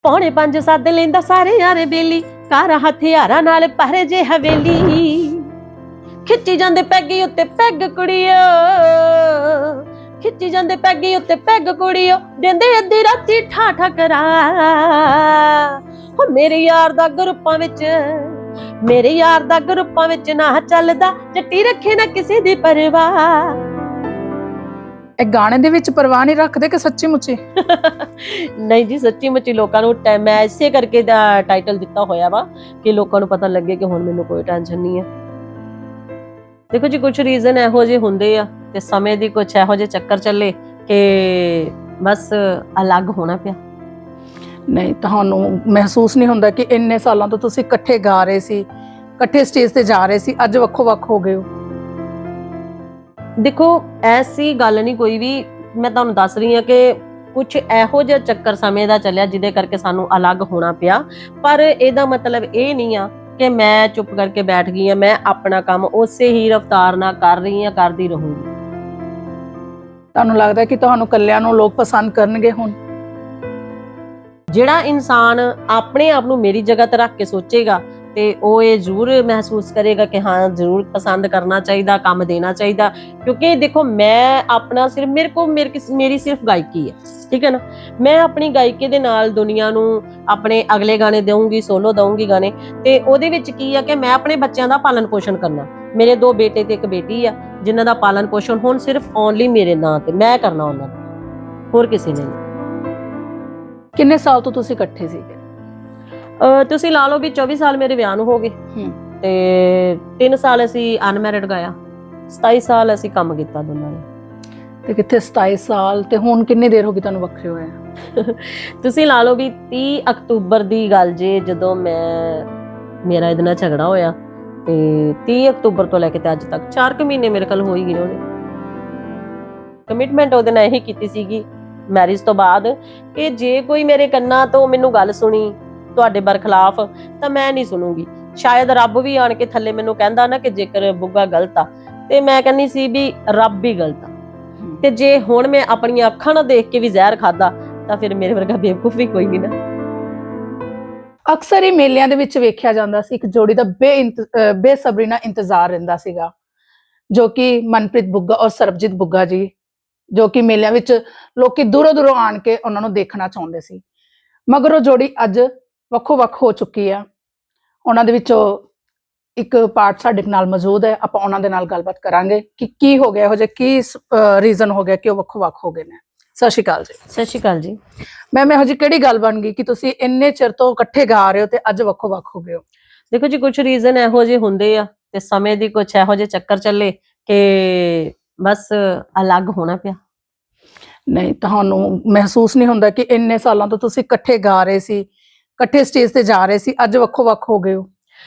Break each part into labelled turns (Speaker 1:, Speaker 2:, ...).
Speaker 1: पौने 5 सद लेंदा सारे यारे बेली कार हथियारां नाल पर जे हवेली खिच्ची जांदे पैगी उत्ते पैग कुड़ियो खिच्ची जांदे पैगी उत्ते पैग कुड़ियो देंदे अद्धी राती ठा करा हो मेरे यार दा ग्रुपां विच ना चलदा जट्टी रखे ना किसी दी परवाह।
Speaker 2: ਇਹ ਗਾਣੇ ਦੇ ਵਿੱਚ ਪਰਵਾਹ ਨਹੀਂ ਰੱਖਦੇ ਕਿ ਸੱਚੀ ਮੁੱਚੀ?
Speaker 1: ਨਹੀਂ ਜੀ, ਸੱਚੀ ਮੁੱਚੀ ਲੋਕਾਂ ਨੂੰ ਮੈਂ ਇਸੇ ਕਰਕੇ ਦਾ ਟਾਈਟਲ ਦਿੱਤਾ ਹੋਇਆ ਵਾ ਕਿ ਲੋਕਾਂ ਨੂੰ ਪਤਾ ਲੱਗੇ ਕਿ ਹੁਣ ਮੈਨੂੰ ਕੋਈ ਟੈਨਸ਼ਨ ਨਹੀਂ ਹੈ। ਦੇਖੋ ਜੀ, ਕੁਝ ਰੀਜ਼ਨ ਇਹੋ ਜਿਹੇ ਹੁੰਦੇ ਆ ਤੇ ਸਮੇਂ ਦੀ ਕੁਝ ਇਹੋ ਜਿਹੇ ਚੱਕਰ ਚੱਲੇ ਕਿ ਬਸ ਅਲੱਗ ਹੋਣਾ ਪਿਆ।
Speaker 2: ਨਹੀਂ, ਤੁਹਾਨੂੰ ਮਹਿਸੂਸ ਨਹੀਂ ਹੁੰਦਾ ਕਿ ਇੰਨੇ ਸਾਲਾਂ ਤੋਂ ਤੁਸੀਂ ਇਕੱਠੇ ਗਾ ਰਹੇ ਸੀ, ਇਕੱਠੇ ਸਟੇਜ ਤੇ ਜਾ ਰਹੇ ਸੀ, ਅੱਜ ਵੱਖੋ-ਵੱਖ ਹੋ ਗਏ ਹੋ?
Speaker 1: ਦੇਖੋ, ਐਸੀ ਗੱਲ ਨਹੀਂ ਕੋਈ ਵੀ। ਮੈਂ ਤੁਹਾਨੂੰ ਦੱਸ ਰਹੀ ਹਾਂ ਕਿ ਕੁਝ ਇਹੋ ਜਿਹਾ ਚੱਕਰ ਸਮੇਂ ਦਾ ਚੱਲਿਆ ਜਿਹਦੇ ਕਰਕੇ ਸਾਨੂੰ ਅਲੱਗ ਹੋਣਾ ਪਿਆ, ਪਰ ਇਹਦਾ ਮਤਲਬ ਇਹ ਨਹੀਂ ਆ ਕਿ ਮੈਂ ਚੁੱਪ ਕਰਕੇ ਬੈਠ ਗਈ ਆ। ਮੈਂ ਆਪਣਾ ਕੰਮ ਉਸੇ ਹੀ ਰਫ਼ਤਾਰ ਨਾਲ ਕਰ ਰਹੀ ਹਾਂ, ਕਰਦੀ ਰਹੂੰਗੀ।
Speaker 2: ਤੁਹਾਨੂੰ ਲੱਗਦਾ ਕਿ ਤੁਹਾਨੂੰ ਇਕੱਲਿਆਂ ਨੂੰ ਲੋਕ ਪਸੰਦ ਕਰਨਗੇ ਹੁਣ?
Speaker 1: ਜਿਹੜਾ ਇਨਸਾਨ ਆਪਣੇ ਆਪ ਨੂੰ ਮੇਰੀ ਜਗ੍ਹਾ ਤੇ ਰੱਖ ਕੇ ਸੋਚੇਗਾ ਤੇ ਉਹ ਇਹ ਜ਼ਰੂਰ ਮਹਿਸੂਸ ਕਰੇਗਾ ਕਿ ਹਾਂ, ਜ਼ਰੂਰ ਪਸੰਦ ਕਰਨਾ ਚਾਹੀਦਾ, ਕੰਮ ਦੇਣਾ ਚਾਹੀਦਾ। ਕਿਉਂਕਿ ਦੇਖੋ, ਮੈਂ ਆਪਣਾ ਸਿਰਫ ਮੇਰੀ ਸਿਰਫ ਗਾਇਕੀ ਹੈ, ਠੀਕ ਹੈ ਨਾ। ਮੈਂ ਆਪਣੀ ਗਾਇਕੀ ਦੇ ਨਾਲ ਦੁਨੀਆ ਨੂੰ ਆਪਣੇ ਅਗਲੇ ਗਾਣੇ ਦਊਂਗੀ, ਸੋਲੋ ਦਊਂਗੀ ਗਾਣੇ, ਤੇ ਉਹਦੇ ਵਿੱਚ ਕੀ ਆ ਕਿ ਮੈਂ ਆਪਣੇ ਬੱਚਿਆਂ ਦਾ ਪਾਲਣ ਪੋਸ਼ਣ ਕਰਨਾ। ਮੇਰੇ 2 ਬੇਟੇ ਤੇ 1 ਬੇਟੀ ਆ, ਜਿਨ੍ਹਾਂ ਦਾ ਪਾਲਣ ਪੋਸ਼ਣ ਹੁਣ ਸਿਰਫ ਓਨਲੀ ਮੇਰੇ ਨਾਂ ਤੇ ਮੈਂ ਕਰਨਾ, ਉਹਨਾਂ ਦਾ, ਹੋਰ ਕਿਸੇ ਨੇ ਨਹੀਂ।
Speaker 2: ਕਿੰਨੇ ਸਾਲ ਤੋਂ ਤੁਸੀਂ ਇਕੱਠੇ ਸੀਗੇ?
Speaker 1: ਤੁਸੀਂ ਲਾ ਲਓ ਵੀ 24 ਸਾਲ ਮੇਰੇ ਵਿਆਹ ਨੂੰ ਹੋ ਗਏ ਤੇ 3 ਸਾਲ ਅਸੀਂ ਅਨਮੈਰਿਡ ਗਾਇਆ, 27 ਸਾਲ ਅਸੀਂ ਕੰਮ ਕੀਤਾ ਦੋਨਾਂ ਨੇ।
Speaker 2: ਤੇ ਕਿੱਥੇ 27 ਸਾਲ ਤੇ ਹੁਣ ਕਿੰਨੀ ਦੇਰ ਹੋ ਗਈ ਤੁਹਾਨੂੰ ਵੱਖਰੇ ਹੋਏ?
Speaker 1: ਤੁਸੀਂ ਲਾ ਲਓ ਵੀ 30 ਅਕਤੂਬਰ ਦੀ ਗੱਲ ਜੇ, ਜਦੋਂ ਮੇਰਾ ਇਹਦੇ ਨਾਲ ਝਗੜਾ ਹੋਇਆ, ਤੇ 30 ਅਕਤੂਬਰ ਤੋਂ ਲੈ ਕੇ ਤੇ ਅੱਜ ਤੱਕ 4 ਕੁ ਮਹੀਨੇ ਮੇਰੇ ਕੋਲ ਹੋ ਹੀ ਗਏ। ਉਹਨੇ ਕਮਿਟਮੈਂਟ ਉਹਦੇ ਨਾਲ ਇਹੀ ਕੀਤੀ ਸੀਗੀ ਮੈਰਿਜ ਤੋਂ ਬਾਅਦ ਕਿ ਜੇ ਕੋਈ ਮੇਰੇ ਕੰਨਾਂ ਤੋਂ ਮੈਨੂੰ ਗੱਲ ਸੁਣੀ ਤੁਹਾਡੇ ਬਰਖਲਾਫ ਤਾਂ ਮੈਂ ਨਹੀਂ ਸੁਣੂਗੀ। ਸ਼ਾਇਦ ਰੱਬ ਵੀ ਆਣ ਕੇ ਥੱਲੇ ਮੈਨੂੰ ਕਹਿੰਦਾ ਨਾ ਕਿ ਜੇਕਰ ਬੁੱਗਾ ਗਲਤ ਆ, ਤੇ ਮੈਂ ਕਹਿੰਦੀ ਸੀ ਵੀ ਰੱਬ ਹੀ ਗਲਤ ਆ। ਤੇ ਜੇ ਹੁਣ ਮੈਂ ਆਪਣੀਆਂ ਅੱਖਾਂ ਨਾਲ ਦੇਖ ਕੇ ਵੀ ਜ਼ਹਿਰ ਖਾਦਾ ਤਾਂ ਫਿਰ ਮੇਰੇ ਵਰਗਾ ਬੇਵਕੂਫ ਵੀ ਕੋਈ ਨਹੀਂ ਨਾ।
Speaker 2: ਅਕਸਰ ਹੀ ਮੇਲਿਆਂ ਦੇ ਵਿੱਚ ਵੇਖਿਆ ਜਾਂਦਾ ਸੀ ਇੱਕ ਜੋੜੀ ਦਾ ਬੇਸਬਰੀ ਨਾਲ ਇੰਤਜ਼ਾਰ ਰਹਿੰਦਾ ਸੀਗਾ, ਜੋ ਕਿ ਮਨਪ੍ਰੀਤ ਬੁੱਗਾ ਔਰ ਸਰਬਜੀਤ ਬੁੱਗਾ ਜੀ, ਜੋ ਕਿ ਮੇਲਿਆਂ ਵਿੱਚ ਲੋਕੀ ਦੂਰੋਂ ਆਣ ਕੇ ਉਹਨਾਂ ਨੂੰ ਦੇਖਣਾ ਚਾਹੁੰਦੇ ਸੀ। ਮਗਰ ਉਹ ਜੋੜੀ ਅੱਜ ਵੱਖੋ-ਵੱਖ ਹੋ ਚੁੱਕੀ ਆ। ਉਹਨਾਂ ਦੇ ਵਿੱਚੋਂ ਇੱਕ ਪਾਰਟ ਸਾਡੇ ਨਾਲ ਮੌਜੂਦ ਹੈ, ਆਪਾਂ ਉਹਨਾਂ ਦੇ ਨਾਲ ਗੱਲਬਾਤ ਕਰਾਂਗੇ ਕਿ ਕੀ ਹੋ ਗਿਆ, ਇਹੋ ਜਿਹਾ ਕੀ ਰੀਜ਼ਨ ਹੋ ਗਿਆ ਕਿ ਉਹ ਵੱਖੋ-ਵੱਖ ਹੋ ਗਏ ਨੇ। ਸਤਿ ਸ਼੍ਰੀ ਅਕਾਲ ਜੀ।
Speaker 1: ਸਤਿ ਸ਼੍ਰੀ ਅਕਾਲ ਜੀ।
Speaker 2: ਮੈਮ, ਇਹੋ ਜਿਹੀ ਕਿਹੜੀ ਗੱਲ ਬਣ ਗਈ ਕਿ ਤੁਸੀਂ ਇੰਨੇ ਚਿਰ ਤੋਂ ਇਕੱਠੇ ਗਾ ਰਹੇ ਹੋ ਤੇ ਅੱਜ ਵੱਖੋ-ਵੱਖ ਹੋ ਗਏ ਹੋ?
Speaker 1: ਦੇਖੋ ਜੀ, ਕੁਝ ਰੀਜ਼ਨ ਇਹੋ ਜਿਹੇ ਹੁੰਦੇ ਆ ਤੇ ਸਮੇਂ ਦੀ ਕੁਝ ਇਹੋ ਜਿਹੇ ਚੱਕਰ ਚੱਲੇ ਕਿ ਬਸ ਅਲੱਗ ਹੋਣਾ ਪਿਆ।
Speaker 2: ਨਹੀਂ, ਤੁਹਾਨੂੰ ਮਹਿਸੂਸ ਨਹੀਂ ਹੁੰਦਾ ਕਿ ਇੰਨੇ ਸਾਲਾਂ ਤੋਂ ਤੁਸੀਂ ਇਕੱਠੇ ਗਾ ਰਹੇ ਸੀ, ਇਕੱਠੇ ਸਟੇਜ ਤੇ ਜਾ ਰਹੇ ਸੀ, ਅੱਜ ਵੱਖੋ-ਵੱਖ ਹੋ ਗਏ ਹੋ?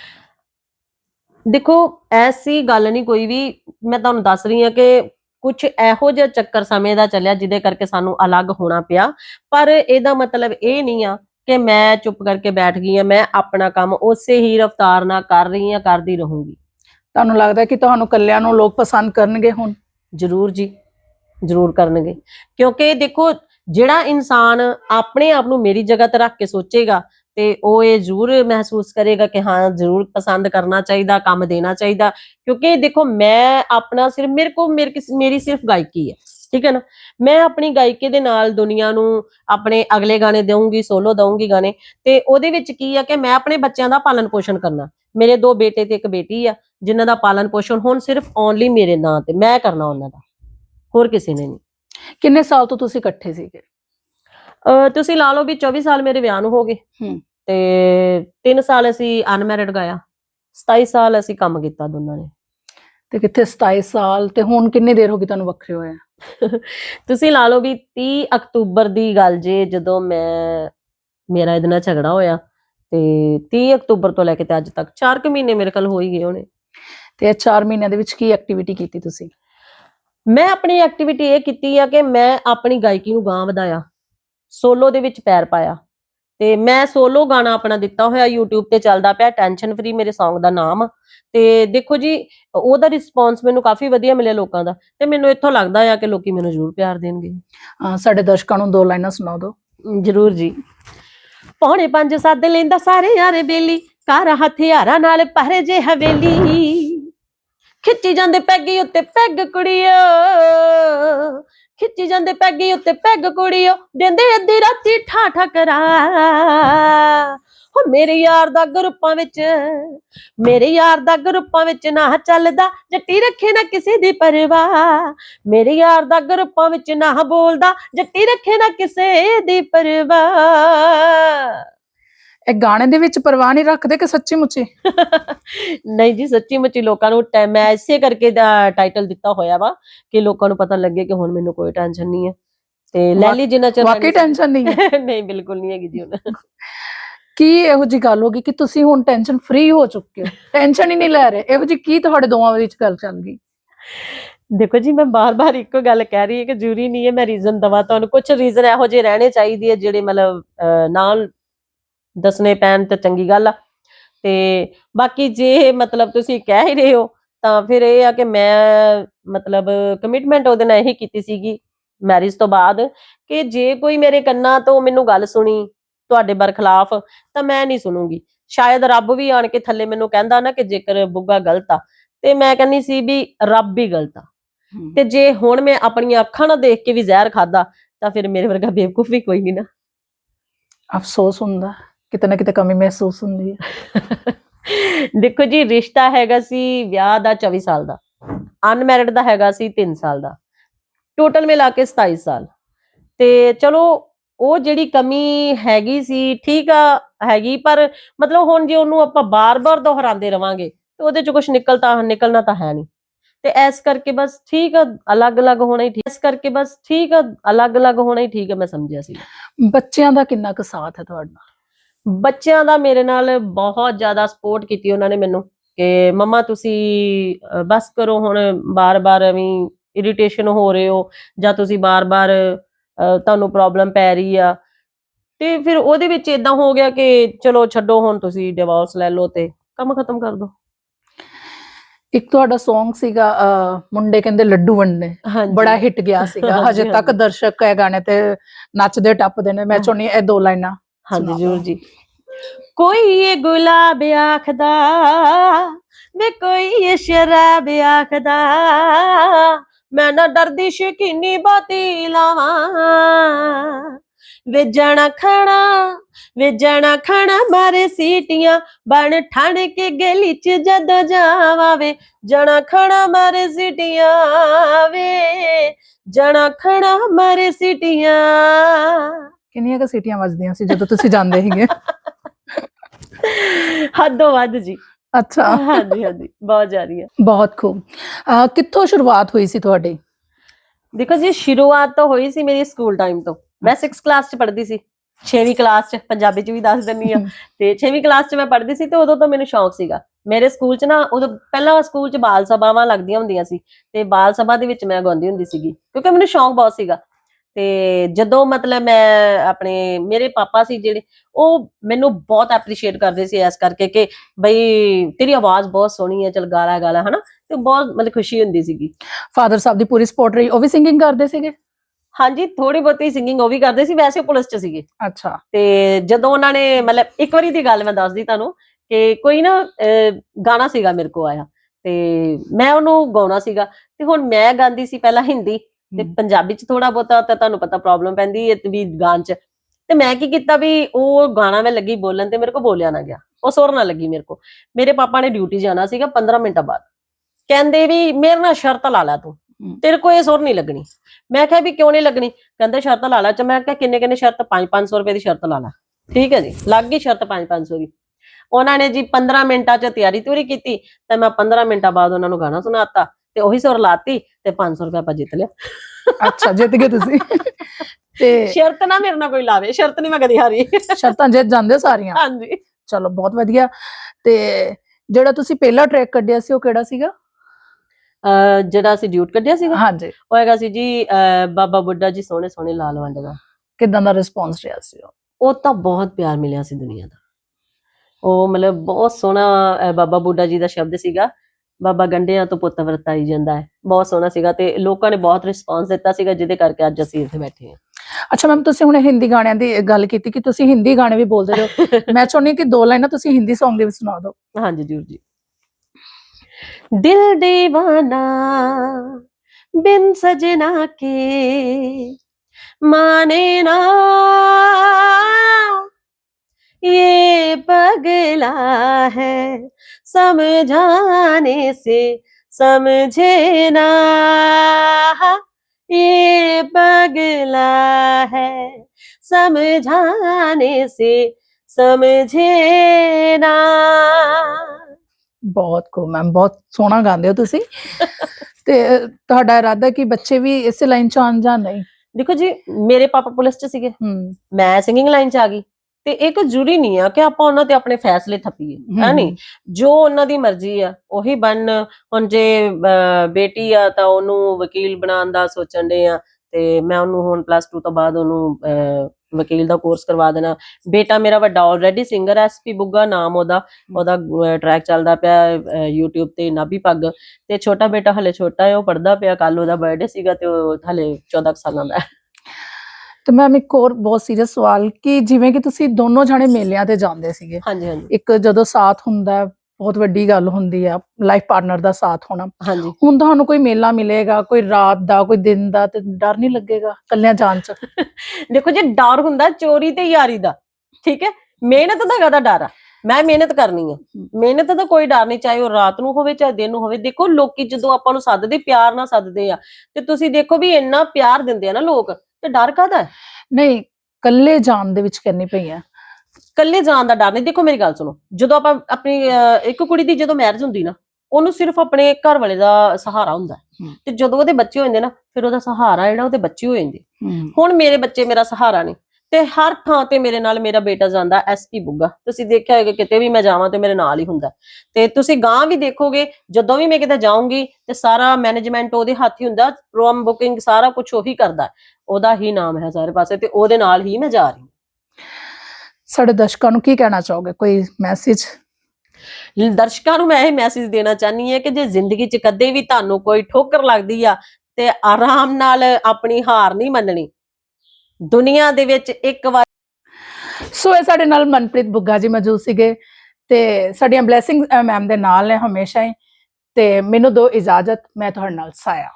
Speaker 1: ਦੇਖੋ, ਐਸੀ ਗੱਲ ਨਹੀਂ ਕੋਈ ਵੀ। ਮੈਂ ਤੁਹਾਨੂੰ ਦੱਸ ਰਹੀ ਹਾਂ ਕਿ ਕੁਝ ਇਹੋ ਜਿਹਾ ਚੱਕਰ ਸਮੇਂ ਦਾ ਚੱਲਿਆ ਜਿਹਦੇ ਕਰਕੇ ਸਾਨੂੰ ਅਲੱਗ ਹੋਣਾ ਪਿਆ, ਪਰ ਇਹਦਾ ਮਤਲਬ ਇਹ ਨਹੀਂ ਆ ਕਿ ਮੈਂ ਚੁੱਪ ਕਰਕੇ ਬੈਠ ਗਈ ਆ। ਮੈਂ ਆਪਣਾ ਕੰਮ ਉਸੇ ਹੀ ਰਫ਼ਤਾਰ ਨਾਲ ਕਰ ਰਹੀ ਹਾਂ, ਕਰਦੀ ਰਹੂੰਗੀ।
Speaker 2: ਤੁਹਾਨੂੰ ਲੱਗਦਾ ਕਿ ਤੁਹਾਨੂੰ ਇਕੱਲਿਆਂ ਨੂੰ ਲੋਕ ਪਸੰਦ ਕਰਨਗੇ ਹੁਣ?
Speaker 1: ਜ਼ਰੂਰ ਜੀ, ਜ਼ਰੂਰ ਕਰਨਗੇ। ਕਿਉਂਕਿ ਦੇਖੋ, ਜਿਹੜਾ ਇਨਸਾਨ ਆਪਣੇ ਆਪ ਨੂੰ ਮੇਰੀ ਜਗ੍ਹਾ ਤੇ ਰੱਖ ਕੇ ਸੋਚੇਗਾ ਤੇ ਉਹ ਇਹ ਜ਼ਰੂਰ ਮਹਿਸੂਸ ਕਰੇਗਾ ਕਿ ਹਾਂ, ਜ਼ਰੂਰ ਪਸੰਦ ਕਰਨਾ ਚਾਹੀਦਾ, ਕੰਮ ਦੇਣਾ ਚਾਹੀਦਾ। ਕਿਉਂਕਿ ਦੇਖੋ, ਮੈਂ ਆਪਣਾ ਸਿਰਫ ਮੇਰੀ ਸਿਰਫ ਗਾਇਕੀ ਹੈ, ਠੀਕ ਹੈ ਨਾ। ਮੈਂ ਆਪਣੀ ਗਾਇਕੀ ਦੇ ਨਾਲ ਦੁਨੀਆ ਨੂੰ ਆਪਣੇ ਅਗਲੇ ਗਾਣੇ ਦਊਂਗੀ, ਸੋਲੋ ਦਊਂਗੀ ਗਾਣੇ, ਤੇ ਉਹਦੇ ਵਿੱਚ ਕੀ ਆ ਕਿ ਮੈਂ ਆਪਣੇ ਬੱਚਿਆਂ ਦਾ ਪਾਲਣ ਪੋਸ਼ਣ ਕਰਨਾ। ਮੇਰੇ 2 ਬੇਟੇ ਤੇ 1 ਬੇਟੀ ਆ, ਜਿਨ੍ਹਾਂ ਦਾ ਪਾਲਣ ਪੋਸ਼ਣ ਹੁਣ ਸਿਰਫ ਓਨਲੀ ਮੇਰੇ ਨਾਂ ਤੇ ਮੈਂ ਕਰਨਾ, ਉਹਨਾਂ ਦਾ, ਹੋਰ ਕਿਸੇ ਨੇ ਨਹੀਂ।
Speaker 2: ਕਿੰਨੇ ਸਾਲ ਤੋਂ ਤੁਸੀਂ ਇਕੱਠੇ ਸੀਗੇ?
Speaker 1: ਤੁਸੀਂ ਲਾ ਲਓ ਵੀ 24 ਸਾਲ ਮੇਰੇ ਵਿਆਹ ਨੂੰ ਹੋ ਗਏ ਤੇ 3 ਸਾਲ ਅਸੀਂ ਅਨਮੈਰਿਡ ਗਾਇਆ, 27 ਸਾਲ ਅਸੀਂ ਕੰਮ ਕੀਤਾ ਦੋਨਾਂ ਨੇ।
Speaker 2: ਤੇ ਕਿੱਥੇ 27 ਸਾਲ ਤੇ ਹੁਣ ਕਿੰਨੀ ਦੇਰ ਹੋ ਗਈ ਤੁਹਾਨੂੰ ਵੱਖਰੇ ਹੋਏ?
Speaker 1: ਤੁਸੀਂ ਲਾ ਲਓ ਵੀ 30 ਅਕਤੂਬਰ ਦੀ ਗੱਲ ਜੇ, ਜਦੋਂ ਮੇਰਾ ਇਹਦੇ ਨਾਲ ਝਗੜਾ ਹੋਇਆ, ਤੇ 30 ਅਕਤੂਬਰ ਤੋਂ ਲੈ ਕੇ ਤੇ ਅੱਜ ਤੱਕ 4 ਕੁ ਮਹੀਨੇ ਮੇਰੇ ਕੋਲ ਹੋ ਹੀ ਗਏ ਉਹਨੇ।
Speaker 2: ਤੇ ਇਹ 4 ਮਹੀਨਿਆਂ ਦੇ ਵਿੱਚ ਕੀ ਐਕਟੀਵਿਟੀ ਕੀਤੀ ਤੁਸੀਂ?
Speaker 1: ਮੈਂ ਆਪਣੀ ਐਕਟੀਵਿਟੀ ਇਹ ਕੀਤੀ ਆ ਕਿ ਮੈਂ ਆਪਣੀ ਗਾਇਕੀ ਨੂੰ ਗਾਂਹ ਵਧਾਇਆ, ਸੋਲੋ ਦੇ ਵਿੱਚ ਪੈਰ ਪਾਇਆ, ਤੇ ਮੈਂ ਸੋਲੋ ਗਾਣਾ ਆਪਣਾ ਦਿੱਤਾ ਹੋਇਆ YouTube ਤੇ ਚੱਲਦਾ ਪਿਆ, ਟੈਨਸ਼ਨ ਫਰੀ ਮੇਰੇ Song ਦਾ ਨਾਮ। ਤੇ ਦੇਖੋ ਜੀ, ਉਹਦਾ ਰਿਸਪੌਂਸ ਮੈਨੂੰ ਕਾਫੀ ਵਧੀਆ ਮਿਲਿਆ ਲੋਕਾਂ ਦਾ, ਤੇ ਮੈਨੂੰ ਇੱਥੋਂ ਲੱਗਦਾ ਆ ਕਿ ਲੋਕੀ ਮੈਨੂੰ ਜ਼ਰੂਰ ਪਿਆਰ ਦੇਣਗੇ।
Speaker 2: ਸਾਡੇ ਦਰਸ਼ਕਾਂ ਨੂੰ 2 ਲਾਈਨਾਂ ਸੁਣਾ ਦਿਓ।
Speaker 1: ਜ਼ਰੂਰ ਜੀ। ਪੌਣੇ 5 ਸੱਦ ਲੈਂਦਾ ਸਾਰੇ ਯਾਰੇ ਬੇਲੀ, ਘਰ ਹਥਿਆਰਾਂ ਨਾਲ ਭਰੇ ਜੇ ਹਵੇਲੀ। ਖਿੱਚੀ ਜਾਂਦੇ ਪੈਗੀ ਉੱਤੇ ਪੈਗ ਕੁੜੀਓ, ਖਿੱਚੀ ਜਾਂਦੇ ਪੈਗੀ ਉੱਤੇ ਪੈਗ ਕੁੜੀਓ, ਦਿੰਦੇ ਅੱਧੀ ਰਾਤੀ ਠਾ ਠਾ ਕਰਾ। ਹੋ ਮੇਰੇ ਯਾਰ ਦਾ ਗਰੁੱਪਾਂ ਵਿੱਚ, ਮੇਰੇ ਯਾਰ ਦਾ ਗਰੁੱਪਾਂ ਵਿੱਚ ਨਾ ਚੱਲਦਾ, ਜੱਟੀ ਰੱਖੇ ਨਾ ਕਿਸੇ ਦੀ ਪਰਵਾਹ। ਮੇਰੇ ਯਾਰ ਦਾ ਗਰੁੱਪਾਂ ਵਿੱਚ ਨਾ ਬੋਲਦਾ, ਜੱਟੀ ਰੱਖੇ ਨਾ ਕਿਸੇ ਦੀ ਪਰਵਾਹ।
Speaker 2: ਇਹ ਗਾਣੇ ਦੇ ਵਿੱਚ ਪਰਵਾਹ ਨਹੀਂ ਰੱਖਦੇ ਕਿ ਸੱਚੀ ਮੁੱਚੀ?
Speaker 1: ਨਹੀਂ ਜੀ, ਸੱਚੀ ਮੁੱਚੀ ਲੋਕਾਂ ਨੂੰ ਮੈਂ ਇਸੇ ਕਰਕੇ ਦਾ ਟਾਈਟਲ ਦਿੱਤਾ ਹੋਇਆ ਵਾ ਕਿ ਲੋਕਾਂ ਨੂੰ ਪਤਾ ਲੱਗੇ ਕਿ ਹੁਣ ਮੈਨੂੰ ਕੋਈ ਟੈਨਸ਼ਨ ਨਹੀਂ ਹੈ। ਤੇ ਲੈਲੀ ਜਿੰਨਾ ਚਿਰ
Speaker 2: ਵਾਕਈ ਟੈਨਸ਼ਨ ਨਹੀਂ ਹੈ?
Speaker 1: ਨਹੀਂ, ਬਿਲਕੁਲ ਨਹੀਂ ਹੈਗੀ ਜੀ ਹੁਣ।
Speaker 2: ਕੀ ਇਹੋ ਜੀ ਗੱਲ ਹੋ ਗਈ ਕਿ ਤੁਸੀਂ ਹੁਣ ਟੈਨਸ਼ਨ ਫ੍ਰੀ ਹੋ ਚੁੱਕੇ ਹੋ, ਟੈਨਸ਼ਨ ਹੀ ਨਹੀਂ ਲੈ ਰਹੇ? ਇਹੋ ਜੀ ਕੀ ਤੁਹਾਡੇ ਦੋਵਾਂ ਵਿੱਚ ਗੱਲ ਚੱਲ ਗਈ?
Speaker 1: ਦੇਖੋ ਜੀ, ਮੈਂ ਬਾਰ-ਬਾਰ ਇੱਕੋ ਗੱਲ ਕਹਿ ਰਹੀ ਹਾਂ ਕਿ ਜ਼ਰੂਰੀ ਨਹੀਂ ਹੈ ਮੈਂ ਰੀਜ਼ਨ ਦਵਾਂ ਤੁਹਾਨੂੰ। ਕੁਝ ਰੀਜ਼ਨ ਇਹੋ ਜਿਹੇ ਰਹਿਣੇ ਚਾਹੀਦੇ ਆ ਜਿਹੜੇ ਮਤਲਬ ਨਾਲ ਦੱਸਣੇ ਪੈਣ ਤੇ ਚੰਗੀ ਗੱਲ ਆ। ਤੇ ਬਾਕੀ ਜੇ ਮਤਲਬ ਤੁਸੀਂ ਕਹਿ ਹੀ ਰਹੇ ਹੋ ਤਾਂ ਫਿਰ ਇਹ ਆ ਕਿ ਮੈਂ ਮਤਲਬ ਕਮਿਟਮੈਂਟ ਉਹਦੇ ਨਾਲ ਇਹੀ ਕੀਤੀ ਸੀਗੀ ਮੈਰਿਜ ਤੋਂ ਬਾਅਦ ਕਿ ਜੇ ਕੋਈ ਮੇਰੇ ਕੰਨਾਂ ਤੋਂ ਮੈਨੂੰ ਗੱਲ ਸੁਣੀ ਤੁਹਾਡੇ ਬਰਖਲਾਫ ਤਾਂ ਮੈਂ ਨਹੀਂ ਸੁਣੂਗੀ। ਸ਼ਾਇਦ ਰੱਬ ਵੀ ਆਣ ਕੇ ਥੱਲੇ ਮੈਨੂੰ ਕਹਿੰਦਾ ਨਾ ਕਿ ਜੇਕਰ ਬੁੱਗਾ ਗਲਤ ਆ, ਤੇ ਮੈਂ ਕਹਿੰਦੀ ਸੀ ਵੀ ਰੱਬ ਹੀ ਗਲਤ ਆ। ਤੇ ਜੇ ਹੁਣ ਮੈਂ ਆਪਣੀਆਂ ਅੱਖਾਂ ਨਾਲ ਦੇਖ ਕੇ ਵੀ ਜ਼ਹਿਰ ਖਾਦਾ ਤਾਂ ਫਿਰ ਮੇਰੇ ਵਰਗਾ ਬੇਵਕੂਫ ਵੀ ਕੋਈ ਨਹੀਂ ਨਾ।
Speaker 2: ਅਫਸੋਸ ਹੁੰਦਾ, ਕਿਤੇ ਨਾ ਕਿਤੇ ਕਮੀ ਮਹਿਸੂਸ ਹੁੰਦੀ ਹੈ।
Speaker 1: ਦੇਖੋ ਜੀ, ਰਿਸ਼ਤਾ ਹੈਗਾ ਸੀ ਵਿਆਹ ਦਾ 24 ਸਾਲ ਦਾ, ਅਨਮੈਰਿਡ ਦਾ ਹੈਗਾ ਸੀ 3 ਸਾਲ ਦਾ, ਟੋਟਲ ਮਿਲਾ ਕੇ 27 ਸਾਲ। ਤੇ ਚਲੋ ਉਹ ਜਿਹੜੀ ਕਮੀ ਹੈਗੀ ਸੀ ਠੀਕ ਆ ਹੈਗੀ, ਪਰ ਮਤਲਬ ਹੁਣ ਜੇ ਉਹਨੂੰ ਆਪਾਂ ਬਾਰ-ਬਾਰ ਦੁਹਰਾਉਂਦੇ ਰਵਾਂਗੇ ਤੇ ਉਹਦੇ ਚ ਕੁਝ ਨਿਕਲਣਾ ਤਾਂ ਹੈ ਨਹੀਂ। ਤੇ ਇਸ ਕਰਕੇ ਬਸ ਠੀਕ ਆ, ਅਲੱਗ-ਅਲੱਗ ਹੋਣਾ ਹੀ ਠੀਕ, ਇਸ ਕਰਕੇ ਬਸ ਠੀਕ ਆ, ਅਲੱਗ-ਅਲੱਗ ਹੋਣਾ ਹੀ ਠੀਕ ਹੈ, ਮੈਂ ਸਮਝਿਆ ਸੀ।
Speaker 2: ਬੱਚਿਆਂ ਦਾ ਕਿੰਨਾ ਕੁ ਸਾਥ ਹੈ ਤੁਹਾਡਾ?
Speaker 1: ਬੱਚਿਆਂ ਦਾ ਮੇਰੇ ਨਾਲ ਬਹੁਤ ਜ਼ਿਆਦਾ ਸਪੋਰਟ ਕੀਤੀ ਉਹਨਾਂ ਨੇ ਮੈਨੂੰ ਕਿ ਮੰਮਾ ਤੁਸੀਂ ਬਸ ਕਰੋ ਹੁਣ, ਬਾਰ-ਬਾਰ ਐਵੇਂ ਇਰੀਟੇਸ਼ਨ ਹੋ ਰਹੇ ਹੋ ਜਾਂ ਤੁਸੀਂ ਬਾਰ-ਬਾਰ ਤੁਹਾਨੂੰ ਪ੍ਰੋਬਲਮ ਪੈ ਰਹੀ ਆ। ਤੇ ਫਿਰ ਉਹਦੇ ਵਿੱਚ ਇਦਾਂ ਹੋ ਗਿਆ ਕਿ ਚਲੋ ਛੱਡੋ, ਹੁਣ ਤੁਸੀਂ ਡਿਵੋਰਸ ਲੈ ਲਓ ਤੇ ਕੰਮ ਖਤਮ ਕਰ ਦਿਓ।
Speaker 2: ਇੱਕ ਤੁਹਾਡਾ Song ਸੀਗਾ ਮੁੰਡੇ ਕਹਿੰਦੇ ਲੱਡੂ ਵੰਡਨੇ, ਬੜਾ ਹਿੱਟ ਗਿਆ ਸੀਗਾ, ਹਜੇ ਤੱਕ ਦਰਸ਼ਕ ਇਹ ਗਾਣੇ ਤੇ ਨੱਚਦੇ ਟੱਪਦੇ ਨੇ। ਮੈਂ ਚਾਹੁੰਦੀ ਇਹ 2 ਲਾਈਨਾਂ।
Speaker 1: ਹਾਂਜੀ ਜ਼ਰੂਰ ਜੀ। ਕੋਈ ਇਹ ਗੁਲਾਬ ਆਖਦਾ ਵੇ, ਕੋਈ ਇਹ ਸ਼ਰਾਬ ਆਖਦਾ, ਮੈਂ ਨਾ ਡਰਦੀ ਸ਼ਕੀਨੀ ਬਾਤੀ ਲਾਵਾਂ। ਵੇ ਜਾਣਾ ਖਾਣਾ ਮਾਰੇ ਸੀਟੀਆਂ, ਬਣ ਠਣ ਕੇ ਗਲੀ ਚ ਜਦੋਂ ਜਾਵਾਂ ਵੇ, ਜਾਣਾ ਖਾਣਾ ਮਾਰੇ ਸੀਟੀਆਂ ਵੇ, ਜਾਣਾ ਖਾਣਾ ਮਾਰੇ ਸੀਟੀਆਂ।
Speaker 2: ਕਿੰਨੀਆਂ ਕੁ ਸੀਟੀਆਂ ਵੱਜਦੀਆਂ ਸੀ ਜਦੋਂ ਤੁਸੀਂ ਜਾਂਦੇ ਸੀਗੇ?
Speaker 1: ਹੱਦੋਂ ਵੱਧ ਜੀ।
Speaker 2: ਅੱਛਾ,
Speaker 1: ਹਾਂਜੀ ਹਾਂਜੀ, ਬਹੁਤ ਜ਼ਿਆਦਾ ਹੈ।
Speaker 2: ਬਹੁਤ ਖੂਬ। ਕਿੱਥੋਂ ਸ਼ੁਰੂਆਤ ਹੋਈ ਸੀ ਤੁਹਾਡੀ?
Speaker 1: ਦੇਖੋ ਜੀ, ਸ਼ੁਰੂਆਤ ਤਾਂ ਹੋਈ ਸੀ ਮੇਰੀ ਸਕੂਲ ਟਾਈਮ ਤੋਂ। ਮੈਂ 6th ਕਲਾਸ ਚ ਪੜ੍ਹਦੀ ਸੀ, 6ਵੀਂ ਕਲਾਸ ਚ, ਪੰਜਾਬੀ ਚ ਵੀ ਦੱਸ ਦਿੰਨੀ ਆ। ਤੇ 6ਵੀਂ ਕਲਾਸ ਚ ਮੈਂ ਪੜ੍ਹਦੀ ਸੀ ਤੇ ਉਦੋਂ ਤੋਂ ਮੈਨੂੰ ਸ਼ੌਂਕ ਸੀਗਾ। ਮੇਰੇ ਸਕੂਲ ਚ ਨਾ ਉਦੋਂ ਪਹਿਲਾਂ ਸਕੂਲ ਚ ਬਾਲ ਸਭਾਵਾਂ ਲੱਗਦੀਆਂ ਹੁੰਦੀਆਂ ਸੀ ਤੇ ਬਾਲ ਸਭਾ ਦੇ ਵਿੱਚ ਮੈਂ ਗਾਉਂਦੀ ਹੁੰਦੀ ਸੀਗੀ ਕਿਉਂਕਿ ਮੈਨੂੰ ਸ਼ੌਂਕ ਬਹੁਤ ਸੀਗਾ। ਤੇ ਜਦੋਂ ਮਤਲਬ ਮੈਂ ਆਪਣੇ ਮੇਰੇ ਪਾਪਾ ਸੀ ਜਿਹੜੇ, ਉਹ ਮੈਨੂੰ ਬਹੁਤ ਐਪਰੀਸ਼ੀਏਟ ਕਰਦੇ ਸੀ ਇਸ ਕਰਕੇ ਕਿ ਬਈ ਤੇਰੀ ਆਵਾਜ਼ ਬਹੁਤ ਸੋਹਣੀ ਹੈ, ਚਲ ਗਾਲਾ ਹਨਾ, ਤੇ ਬਹੁਤ ਮਤਲਬ ਖੁਸ਼ੀ ਹੁੰਦੀ ਸੀਗੀ।
Speaker 2: ਫਾਦਰ ਸਾਹਿਬ ਦੀ ਪੂਰੀ ਸਪੋਰਟ ਰਹੀ, ਉਹ ਵੀ ਸਿੰਗਿੰਗ ਕਰਦੇ ਸੀਗੇ?
Speaker 1: ਹਾਂਜੀ, ਥੋੜੀ ਬਹੁਤੀ ਸਿੰਗਿੰਗ ਉਹ ਵੀ ਕਰਦੇ ਸੀ, ਵੈਸੇ ਪੁਲਿਸ ਚ ਸੀਗੇ।
Speaker 2: ਅੱਛਾ।
Speaker 1: ਤੇ ਜਦੋਂ ਉਹਨਾਂ ਨੇ ਮਤਲਬ ਇੱਕ ਵਾਰੀ ਦੀ ਗੱਲ ਮੈਂ ਦੱਸਦੀ ਤੁਹਾਨੂੰ ਕਿ ਕੋਈ ਨਾ ਗਾਣਾ ਸੀਗਾ ਮੇਰੇ ਕੋਲ ਆਇਆ ਤੇ ਮੈਂ ਉਹਨੂੰ ਗਾਉਣਾ ਸੀਗਾ। ਤੇ ਹੁਣ ਮੈਂ ਗਾਉਂਦੀ ਸੀ ਪਹਿਲਾਂ ਹਿੰਦੀ ਤੇ ਪੰਜਾਬੀ ਚ ਥੋੜਾ ਬਹੁਤਾ, ਤਾਂ ਤੁਹਾਨੂੰ ਪਤਾ ਪ੍ਰੋਬਲਮ ਪੈਂਦੀ ਹੈ ਵੀ ਗਾਣ ਚ। ਤੇ ਮੈਂ ਕੀ ਕੀਤਾ ਵੀ ਉਹ ਗਾਣਾ ਮੈਂ ਲੱਗੀ ਬੋਲਣ ਤੇ ਮੇਰੇ ਕੋਲ ਬੋਲਿਆ ਨਾ ਗਿਆ, ਉਹ ਸੁਰ ਨਾ ਲੱਗੀ ਮੇਰੇ ਕੋਲ। ਮੇਰੇ ਪਾਪਾ ਨੇ ਡਿਊਟੀ ਜਾਣਾ ਸੀਗਾ 15 ਮਿੰਟਾਂ ਬਾਅਦ, ਕਹਿੰਦੇ ਵੀ ਮੇਰੇ ਨਾਲ ਸ਼ਰਤ ਲਾ ਲੈ ਤੂੰ, ਤੇਰੇ ਕੋਲ ਇਹ ਸੁਰ ਨਹੀਂ ਲੱਗਣੀ। ਮੈਂ ਕਿਹਾ ਵੀ ਕਿਉਂ ਨਹੀਂ ਲੱਗਣੀ? ਕਹਿੰਦੇ ਸ਼ਰਤ ਲਾ ਲੈ। ਚ ਮੈਂ ਕਿਹਾ ਕਿੰਨੇ ਸ਼ਰਤ? 500 ਰੁਪਏ ਦੀ ਸ਼ਰਤ ਲਾ ਲੈ। ਠੀਕ ਹੈ ਜੀ, ਲੱਗ ਗਈ ਸ਼ਰਤ 500 ਦੀ। ਉਹਨਾਂ ਨੇ ਜੀ 15 ਮਿੰਟਾਂ ਚ ਤਿਆਰੀ ਤੁਰੀ ਕੀਤੀ ਤੇ ਮੈਂ 15 ਮਿੰਟਾਂ ਬਾਅਦ ਉਹਨਾਂ ਨੂੰ ਗਾਣਾ ਸੁਣਾਤਾ ਤੇ ਉਹੀ ਸੁਰ ਲਾਤੀ ਤੇ 500 ਰੁਪਏ ਆਪਾਂ ਜਿੱਤ ਲਿਆ।
Speaker 2: ਅੱਛਾ, ਜਿੱਤ ਗਏ ਤੁਸੀਂ। ਤੇ
Speaker 1: ਸ਼ਰਤ ਨਾ ਮੇਰੇ ਨਾਲ ਕੋਈ ਲਾਵੇ, ਸ਼ਰਤ ਨਹੀਂ ਮੈਂ ਕਦੀ ਹਾਰੀ।
Speaker 2: ਸ਼ਰਤਾਂ ਜਿੱਤ ਜਾਂਦੇ ਸਾਰੀਆਂ।
Speaker 1: ਹਾਂਜੀ,
Speaker 2: ਚਲੋ ਬਹੁਤ ਵਧੀਆ। ਤੇ ਜਿਹੜਾ ਤੁਸੀਂ ਪਹਿਲਾ ਟਰੈਕ ਕੱਢਿਆ ਸੀ ਉਹ ਕਿਹੜਾ ਸੀਗਾ?
Speaker 1: ਜਿਹੜਾ ਅਸੀਂ ਡਿਊਟ ਕੱਢਿਆ ਸੀਗਾ,
Speaker 2: ਹਾਂਜੀ,
Speaker 1: ਉਹ ਹੈਗਾ ਸੀ ਜੀ ਬਾਬਾ ਬੁੱਢਾ ਜੀ ਸੋਹਣੇ ਸੋਹਣੇ ਲਾਲ ਵੰਡ ਦਾ।
Speaker 2: ਕਿਦਾਂ ਦਾ ਰਿਸਪੌਂਸ ਰਿਹਾ ਸੀ?
Speaker 1: ਉਹ ਤਾਂ ਬਹੁਤ ਪਿਆਰ ਮਿਲਿਆ ਸੀ ਦੁਨੀਆ ਦਾ। ਉਹ ਮਤਲਬ ਬਹੁਤ ਸੋਹਣਾ ਬਾਬਾ ਬੁੱਢਾ ਜੀ ਦਾ ਸ਼ਬਦ ਸੀਗਾ, ਬਾਬਾ ਗੰਢਿਆਂ ਤੋਂ ਪੁੱਤ ਵਰਤਾਈ ਜਾਂਦਾ ਹੈ। ਬਹੁਤ ਸੋਹਣਾ ਸੀਗਾ ਤੇ ਲੋਕਾਂ ਨੇ ਬਹੁਤ ਰਿਸਪੌਂਸ ਦਿੱਤਾ ਸੀਗਾ, ਜਿਹਦੇ ਕਰਕੇ ਅੱਜ ਅਸੀਂ ਇੱਥੇ ਬੈਠੇ ਹਾਂ।
Speaker 2: ਅੱਛਾ ਮੈਮ, ਤੁਸੀਂ ਹੁਣ ਹਿੰਦੀ ਗਾਣਿਆਂ ਦੀ ਗੱਲ ਕੀਤੀ ਕਿ ਤੁਸੀਂ ਹਿੰਦੀ ਗਾਣੇ ਵੀ ਬੋਲਦੇ ਹੋ। ਮੈਂ ਚਾਹੁੰਦੀ ਹਾਂ ਕਿ 2 ਲਾਈਨਾਂ ਤੁਸੀਂ ਹਿੰਦੀ Song ਦੇ ਵਿੱਚ ਸੁਣਾ ਦਿਓ।
Speaker 1: ਹਾਂਜੀ ਜ਼ਰੂਰ ਜੀ। ਦਿਲ दीवाना बिन सजना के माने ना ये पगला है समझाने से समझे ना ये पगला है समझाने से समझे ना।
Speaker 2: ਬਹੁਤ ਕੋ ਮੈਮ, ਬਹੁਤ ਸੋਹਣਾ ਗਾਉਂਦੇ ਹੋ ਤੁਸੀਂ। ਤੇ ਤੁਹਾਡਾ ਇਰਾਦਾ ਕਿ ਬੱਚੇ ਵੀ ਇਸੇ ਲਾਈਨ ਚ ਆਉਣ ਜਾਂ ਨਹੀਂ?
Speaker 1: ਦੇਖੋ ਜੀ, ਮੇਰੇ ਪਾਪਾ ਪੁਲਿਸ ਚ ਸੀਗੇ, ਮੈਂ ਸਿੰਗਿੰਗ ਲਾਈਨ ਚ ਆ ਗਈ, ਤੇ ਇੱਕ ਜ਼ਰੂਰੀ ਨਹੀਂ ਆ ਕਿ ਆਪਾਂ ਉਹਨਾਂ ਤੇ ਆਪਣੇ ਫੈਸਲੇ ਥੱਪੀਏ, ਹੈ ਨਹੀਂ। ਜੋ ਉਹਨਾਂ ਦੀ ਮਰਜ਼ੀ ਆ ਉਹੀ ਬਣਨ। ਹੁਣ ਜੇ ਬੇਟੀ ਆ ਤਾਂ ਉਹਨੂੰ ਵਕੀਲ ਬਣਾਉਣ ਦਾ ਸੋਚਣ ਦੇ ਆ, ਤੇ ਮੈਂ ਉਹਨੂੰ ਹੁਣ +2 ਤੋਂ ਬਾਅਦ ਉਹਨੂੰ ਵਕੀਲ ਦਾ ਕੋਰਸ ਕਰਵਾ ਦੇਣਾ। ਬੇਟਾ ਮੇਰਾ ਵੱਡਾ ਆਲਰੇਡੀ ਸਿੰਗਰ ਐ, SP ਬੁੱਗਾ ਨਾਮ ਉਹਦਾ ਟਰੈਕ ਚੱਲਦਾ ਪਿਆ YouTube ਤੇ, ਨਾਭੀ ਪੱਗ। ਤੇ ਛੋਟਾ ਬੇਟਾ ਹਲੇ ਛੋਟਾ ਹੈ, ਉਹ ਪੜ੍ਹਦਾ ਪਿਆ, ਕੱਲ ਉਹਦਾ ਬਰਥਡੇ ਸੀਗਾ ਤੇ ਉਹ ਹਲੇ 14 ਸਾਲਾਂ ਦਾ ਹੈ।
Speaker 2: ਤੇ ਮੈਮ ਇੱਕ ਹੋਰ ਬਹੁਤ ਸੀਰੀਅਸ ਸਵਾਲ ਕਿ ਜਿਵੇਂ ਕਿ ਤੁਸੀਂ ਦੋਨੋਂ ਜਾਣੇ ਮੇਲਿਆਂ ਤੇ ਜਾਂਦੇ ਸੀਗੇ,
Speaker 1: ਹਾਂਜੀ ਹਾਂਜੀ
Speaker 2: ਇੱਕ ਜਦੋਂ ਸਾਥ ਹੁੰਦਾ ਹੈ, ਬਹੁਤ ਵੱਡੀ ਗੱਲ ਹੁੰਦੀ ਆ ਲਾਈਫ ਪਾਰਟਨਰ ਦਾ ਸਾਥ ਹੋਣਾ।
Speaker 1: ਹਾਂਜੀ।
Speaker 2: ਹੁਣ ਤੁਹਾਨੂੰ ਕੋਈ ਮੇਲਾ ਮਿਲੇਗਾ, ਕੋਈ ਰਾਤ ਦਾ, ਕੋਈ ਦਿਨ ਦਾ, ਤੇ ਡਰ ਨਹੀਂ ਲੱਗੇਗਾ ਇਕੱਲਿਆਂ ਜਾਣ ਚ?
Speaker 1: ਦੇਖੋ ਜੀ, ਡਰ ਹੁੰਦਾ ਚੋਰੀ ਤੇ ਯਾਰੀ ਦਾ, ਠੀਕ ਹੈ। ਮਿਹਨਤ ਦਾ ਕਾਹਦਾ ਡਰ ਆ, ਮੈਂ ਮਿਹਨਤ ਕਰਨੀ ਹੈ, ਮਿਹਨਤ ਦਾ ਕੋਈ ਡਰ ਨਹੀਂ, ਚਾਹੇ ਉਹ ਰਾਤ ਨੂੰ ਹੋਵੇ ਚਾਹੇ ਦਿਨ ਨੂੰ ਹੋਵੇ। ਦੇਖੋ ਲੋਕੀ ਜਦੋਂ ਆਪਾਂ ਨੂੰ ਸੱਦਦੇ, ਪਿਆਰ ਨਾਲ ਸੱਦਦੇ ਆ, ਤੇ ਤੁਸੀਂ ਦੇਖੋ ਵੀ ਇੰਨਾ ਪਿਆਰ ਦਿੰਦੇ ਆ ਨਾ ਲੋਕ, ਤੇ ਡਰ ਕਾਹਦਾ ਹੈ?
Speaker 2: ਨਹੀਂ, ਇਕੱਲੇ ਜਾਣ ਦੇ ਵਿੱਚ ਕਰਨੀ ਪਈ ਆ।
Speaker 1: ਇਕੱਲੇ ਜਾਣ ਦਾ ਡਰ ਨਹੀਂ। ਦੇਖੋ ਮੇਰੀ ਗੱਲ ਸੁਣੋ, ਜਦੋਂ ਆਪਾਂ ਆਪਣੀ ਇੱਕ ਕੁੜੀ ਦੀ ਜਦੋਂ ਮੈਰਿਜ ਹੁੰਦੀ ਨਾ, ਉਹਨੂੰ ਸਿਰਫ ਆਪਣੇ ਘਰ ਵਾਲੇ ਦਾ ਸਹਾਰਾ ਹੁੰਦਾ, ਤੇ ਜਦੋਂ ਉਹਦੇ ਬੱਚੇ ਹੋ ਜਾਂਦੇ ਨਾ, ਫਿਰ ਉਹਦਾ ਸਹਾਰਾ ਜਿਹੜਾ ਉਹਦੇ ਬੱਚੇ ਹੋ ਜਾਂਦੇ। ਹੁਣ ਮੇਰੇ ਬੱਚੇ ਮੇਰਾ ਸਹਾਰਾ ਨੇ, ਤੇ ਹਰ ਥਾਂ ਤੇ ਮੇਰੇ ਨਾਲ ਮੇਰਾ ਬੇਟਾ ਜਾਂਦਾ, SP ਬੁੱਗਾ। ਤੁਸੀਂ ਦੇਖਿਆ ਹੋਵੇਗਾ ਕਿਤੇ ਵੀ ਮੈਂ ਜਾਵਾਂ ਤੇ ਮੇਰੇ ਨਾਲ ਹੀ ਹੁੰਦਾ, ਤੇ ਤੁਸੀਂ ਗਾਂ ਵੀ ਦੇਖੋਗੇ, ਜਦੋਂ ਵੀ ਮੈਂ ਕਿਤੇ ਜਾਊਂਗੀ ਤੇ ਸਾਰਾ ਮੈਨੇਜਮੈਂਟ ਉਹਦੇ ਹੱਥ ਹੀ ਹੁੰਦਾ, ਰੂਮ ਬੁਕਿੰਗ ਸਾਰਾ ਕੁਝ ਉਹੀ ਕਰਦਾ, ਉਹਦਾ ਹੀ ਨਾਮ ਹੈ ਸਾਰੇ ਪਾਸੇ, ਤੇ ਉਹਦੇ ਨਾਲ ਹੀ ਮੈਂ ਜਾ ਰਹੀ।
Speaker 2: ਸਾਡੇ ਦਰਸ਼ਕਾਂ ਨੂੰ ਕੀ ਕਹਿਣਾ ਚਾਹੋਗੇ, ਕੋਈ ਮੈਸੇਜ?
Speaker 1: ਦਰਸ਼ਕਾਂ ਨੂੰ ਮੈਂ ਇਹ ਮੈਸੇਜ ਦੇਣਾ ਚਾਹਨੀ ਹਾਂ ਕਿ ਜੇ ਜ਼ਿੰਦਗੀ 'ਚ ਕਦੇ ਵੀ ਤੁਹਾਨੂੰ ਕੋਈ ਠੋਕਰ ਲੱਗਦੀ ਆ, ਤੇ ਆਰਾਮ ਨਾਲ ਆਪਣੀ ਹਾਰ ਨਹੀਂ ਮੰਨਣੀ, ਦੁਨੀਆ ਦੇ ਵਿੱਚ ਇੱਕ ਵਾਰ।
Speaker 2: ਸੋ ਇਹ ਸਾਡੇ ਨਾਲ ਮਨਪ੍ਰੀਤ ਬੁੱਗਾ ਜੀ ਮੌਜੂਦ ਸੀਗੇ, ਤੇ ਸਾਡੀਆਂ ਬਲੇਸਿੰਗ ਮੈਮ ਦੇ ਨਾਲ ਨੇ ਹਮੇਸ਼ਾ ਹੀ। ਤੇ ਮੈਨੂੰ ਦਿਓ ਇਜਾਜ਼ਤ, ਮੈਂ ਤੁਹਾਡੇ ਨਾਲ ਸਾਇਆ।